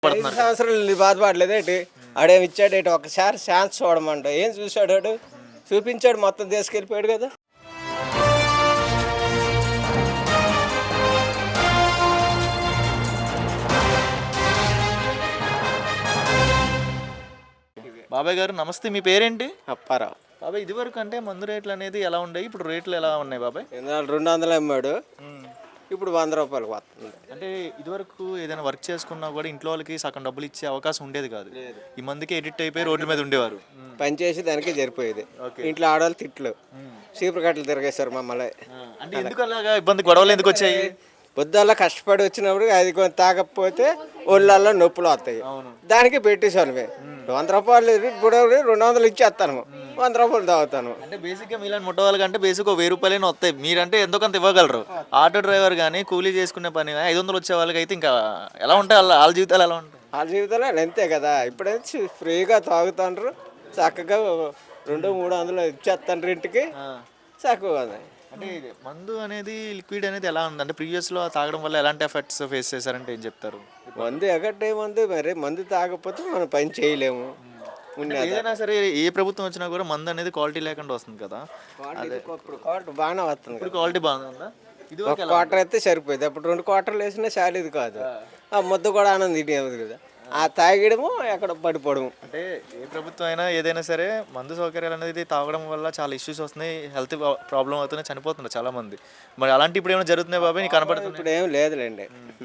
పడుతున్నారు. సంవత్సరాలు బాధపడలేదు ఏంటి ఆడేమి ఇచ్చాడు ఏంటి ఒకసారి ఛాన్స్ చూడమంట ఏం చూశాడు వాడు చూపించాడు మొత్తం తీసుకెళ్ళిపోయాడు కదా. బాబాయ్ గారు నమస్తే, మీ పేరేంటి? అప్పారావు. బాబాయ్ ఇదివరకు అంటే మందు రేట్లు అనేది ఎలా ఉన్నాయి, ఇప్పుడు రేట్లు ఎలా ఉన్నాయి బాబాయ్? 200 అమ్మాడు, ఇప్పుడు 100 రూపాయలకు వస్తుంది. అంటే ఇదివరకు ఏదైనా వర్క్ చేసుకున్నా కూడా ఇంట్లో వాళ్ళకి సగం డబ్బులు ఇచ్చే అవకాశం ఉండేది కాదు. ఈ మందికి ఎడిట్ అయిపోయి రోడ్ల మీద ఉండేవారు. పని చేసి దానికి సరిపోయేది. ఇంట్లో ఆడవాళ్ళు తిట్లు చీపురు కట్టలు తిరిగేశారు మమ్మల్ని. అంటే ఎందుకు అలాగా ఇబ్బంది, గొడవలు ఎందుకు వచ్చాయి? పొద్దుల్ల కష్టపడి వచ్చినప్పుడు అది కొంచెం తాగకపోతే ఒళ్ళల్లో నొప్పులు వస్తాయి. దానికి పెట్టేశాను 100 రూపాయలు ఇప్పుడు 200 ఇచ్చేస్తాను, 100 రూపాయలు తాగుతాను. అంటే బేసిక్గా మీలాంటి ముట్ట వాళ్ళకంటే బేసిక్ 1000 రూపాయలైనా వస్తాయి. మీరంటే ఎంతో కొంత ఇవ్వగలరు. ఆటో డ్రైవర్ కానీ కూలీ చేసుకునే పని 500 వచ్చే వాళ్ళకి అయితే ఇంకా ఎలా ఉంటాయి, వాళ్ళ జీవితాలు ఎలా ఉంటాయి? వాళ్ళ జీవితాలు అంతే కదా. ఇప్పుడైతే ఫ్రీగా తాగుతాండ్రు, చక్కగా 200-300 ఇచ్చేస్తాను ఇంటికి, చక్కగా. అంటే మందు అనేది లిక్విడ్ అనేది ఎలా ఉంది అంటే ప్రీవియస్లో తాగడం వల్ల ఎలాంటి ఎఫెక్ట్స్ ఫేస్ చేశారంటే ఏం చెప్తారు? మందు ఎగట్టే మందు, మరి మందు తాగకపోతే మనం పని చేయలేము. ఏదైనా సరే ఏ ప్రభుత్వం వచ్చినా కూడా మందు అనేది క్వాలిటీ లేకుండా వస్తుంది కదా. క్వార్టర్ బాగానే వస్తుంది. ఇప్పుడు క్వాలిటీ బాగుందా? ఇది ఒక క్వార్టర్ అయితే సరిపోయింది, అప్పుడు 2 క్వార్టర్లు వేసినా చాలేదు కాదు. ఆ ముద్ద కూడా ఆనందం తినేది కదా, ఆ తాగడము ఎక్కడ పడిపోవడము. అంటే ఏ ప్రభుత్వం అయినా ఏదైనా సరే మందు సౌకర్యాలు అనేది తాగడం వల్ల చాలా ఇష్యూస్ వస్తున్నాయి, హెల్త్ ప్రాబ్లం అవుతున్నాయి, చనిపోతున్నారు చాలా మంది. మరి అలాంటి ఇప్పుడు ఏమైనా జరుగుతున్నాయి బాబాయ్ నీకు కనపడుతుంది? ఇప్పుడు ఏం లేదులేండి.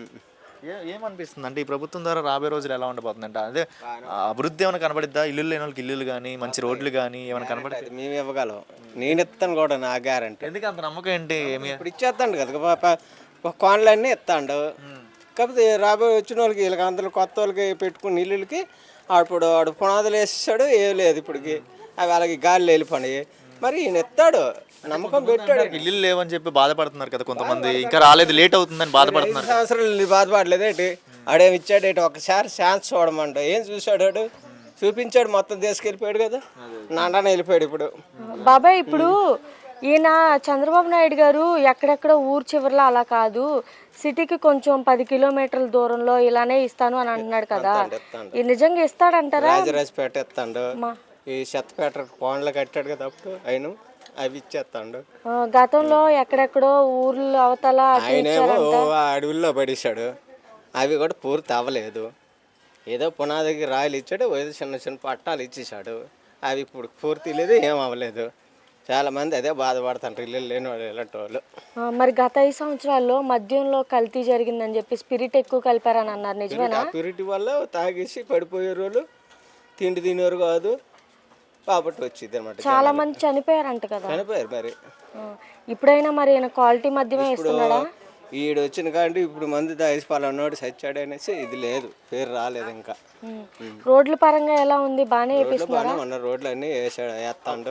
ఏమనిపిస్తుంది అంటే ఈ ప్రభుత్వం ద్వారా రాబోయే రోజులు ఎలా ఉండబోతుంది అంటే అదే అభివృద్ధి ఏమైనా కనబడిద్దా? ఇల్లు లేని వాళ్ళకి ఇల్లులు కానీ మంచి రోడ్లు కానీ ఏమైనా కనబడుతుంది? మేము ఇవ్వగలం, నేను ఇస్తాను కూడా, నా గ్యారంటీ. ఎందుకు అంత నమ్మకం ఏంటి? ఇప్పుడు ఇచ్చేస్తాడు కదా, కోన్లన్నీ ఇస్తాడు. కాకపోతే రాబోయే వచ్చిన వాళ్ళకి వీళ్ళకి అందరూ కొత్త వాళ్ళకి పెట్టుకుని ఇల్లులకి అప్పుడు వాడు పునాదులు వేసేసాడు, ఏం లేదు ఇప్పటికి, అవి వాళ్ళకి గాలి వెళ్ళిపోయి. మరి ఈయన ఎత్తాడు, నమ్మకం పెట్టాడు. ఇల్లు లేవని చెప్పి బాధపడుతున్నారు కదా కొంతమంది, ఇంకా రాలేదు లేట్ అవుతుందని బాధపడుతున్నారు. సంవత్సరాలు బాధపడలేదు ఏంటి ఆడేమి ఇచ్చాడు ఏంటి ఒకసారి ఛాన్స్ చూడమంట ఏం చూశాడు వాడు చూపించాడు మొత్తం తీసుకెళ్ళిపోయాడు కదా, నాన్న వెళ్ళిపోయాడు. ఇప్పుడు బాబాయ్ ఇప్పుడు ఈయన చంద్రబాబు నాయుడు గారు ఎక్కడెక్కడ ఊరు చివరిలో అలా కాదు, సిటీకి కొంచెం 10 కిలోమీటర్ల దూరంలో ఇలానే ఇస్తాను అని అంటున్నాడు కదా, ఈ నిజంగా ఇస్తాడంటారా? రాజరాజపేట ఇస్తాడు, ఈ చెత్తపేట కోండ్లు కట్టాడు కదా అప్పుడు ఆయన, అవి ఇచ్చేస్తాడు. గతంలో ఎక్కడెక్కడో ఊర్లు అవతల ఆయనేమో అడవుల్లో పడేశాడు, అవి కూడా పూర్తి అవ్వలేదు. ఏదో పునాదికి రాయలు ఇచ్చాడు, ఏదో చిన్న చిన్న పట్టాలు ఇచ్చేసాడు, అవి ఇప్పుడు పూర్తి లేదు, ఏం అవ్వలేదు. చాలా మంది అదే బాధపడుతుంటారు ఇల్లు లేని వాళ్ళు, ఇలాంటి వాళ్ళు. మరి గత 5 సంవత్సరాల్లో మద్యంలో కల్తీ జరిగిందని చెప్పి స్పిరిట్ ఎక్కువ కలిపారని అన్నారు, నిజమేనా? స్పిరిట్ వల్ల తాగేసి పడిపోయే రోజులు, తిండి తినేవారు కాదు కాబట్టి వచ్చింది అనమాట. చాలా మంది చనిపోయారంట కదా. చనిపోయారు. మరి ఇప్పుడైనా మరి క్వాలిటీ మద్యమే ఇస్తున్నాడా? ఈడు వచ్చిన కానీ ఇప్పుడు మంది తాగేసి పలానాడు సచ్చాడు అనేసి ఇది లేదు, పేరు రాలేదు ఇంకా. రోడ్ల పరంగా ఎలా ఉంది? బాగానే వేపిస్తున్నారా? ఉన్న రోడ్లు అన్నీ వేస్తాడు,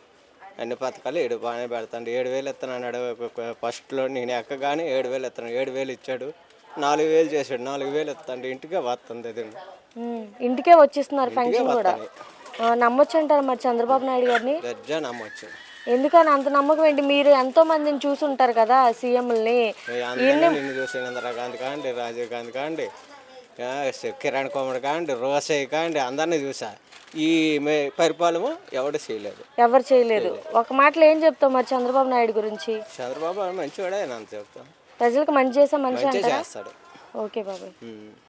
అన్ని పథకాలు ఏడు బాగానే పెడతాడు. 7,000 ఇస్తానన్నాడు ఫస్ట్లో, నేను ఎక్కగానే 7,000 ఇస్తాను, 7,000 ఇచ్చాడు, 4,000 చేశాడు, 4,000 ఇస్తాడు, ఇంటికే వస్తుంది. అది ఇంటికే వచ్చేస్తున్నారు, ఫంక్షన్ కూడా. నమ్మొచ్చు అంటారు మరి చంద్రబాబు నాయుడు గారిని? గజ్జా నమ్మొచ్చు. ఎందుకని అంత నమ్మకం ఏంటి? మీరు ఎంతో మందిని చూసుంటారు కదా సీఎంలని. నిన్ను చూసి ఇందిరాగాంధీ కాండి, రాజీవ్ గాంధీ కాండి, కిరణ్ కుమార్ కాండి, రోసయ్య కాండి, అందరినీ చూసా. ఈ పరిపాలన ఎవరు చేయలేదు. ఒక మాటలో ఏం చెప్తావు మరి చంద్రబాబు నాయుడు గురించి? చంద్రబాబు మంచివాడే అని అంత చెప్తాను. ప్రజలకు మంచి చేసే మనిషి అంటారా? చేస్తాడు. ఓకే బాబాయ్.